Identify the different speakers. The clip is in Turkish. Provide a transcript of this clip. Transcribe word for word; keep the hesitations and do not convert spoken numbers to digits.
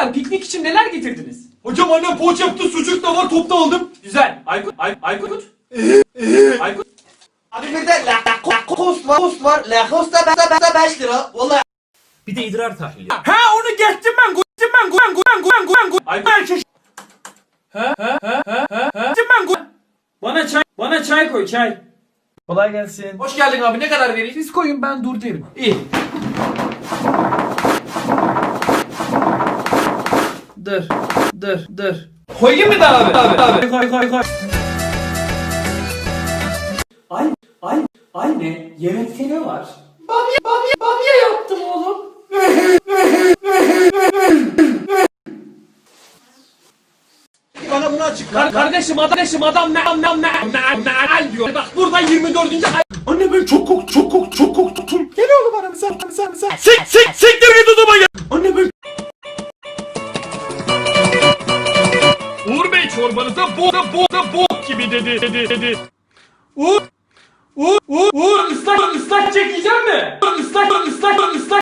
Speaker 1: Çocuklar piknik için neler getirdiniz?
Speaker 2: Hocam annem poğaça yaptı, sucuk da var, topta aldım.
Speaker 1: Güzel. Aykut, Ay Aykut. Aykut.
Speaker 3: Abi bir de Lacoste var, Lacoste var. Lacoste da beş lira. Vallahi.
Speaker 1: Bir de idrar tahlili.
Speaker 2: Ha onu geçtim ben, geçtim ben, ben, ben, ben, ben, ben.
Speaker 1: Aykut. Ha ha ha ha ha.
Speaker 2: Geçtim ben.
Speaker 1: Bana çay, bana çay koy, çay.
Speaker 2: Kolay gelsin.
Speaker 1: Hoş geldin abi. Ne kadar vereyim?
Speaker 2: Siz koyun, ben dur derim.
Speaker 1: İyi.
Speaker 2: Dır, dır, dır.
Speaker 1: Koyayım mı da abi? Abi, abi. Koy, koy, koy. Ay, ay, anne, yemekte ne var?
Speaker 2: Bamya, bamya, bamya yaptım oğlum.
Speaker 3: Bana bunu açıkla.
Speaker 1: Kar kardeşim, kardeşim adam ne ne ne ne ne diyor. Bak burada yirmi dördüncü ay.
Speaker 2: Anne ben çok korktum, çok korktum, çok korktum. Gel oğlum aramıza, aramıza, aramıza. Sik, sik, siktir git odama gel. Anne ben...
Speaker 4: Uğur Bey çorbanıza bok da bok da bok gibi dedi dedi dedi.
Speaker 1: Uğur, Uğur, Uğur, Uğur ıslak ıslak çekeceğim mi? Islak ıslak ıslak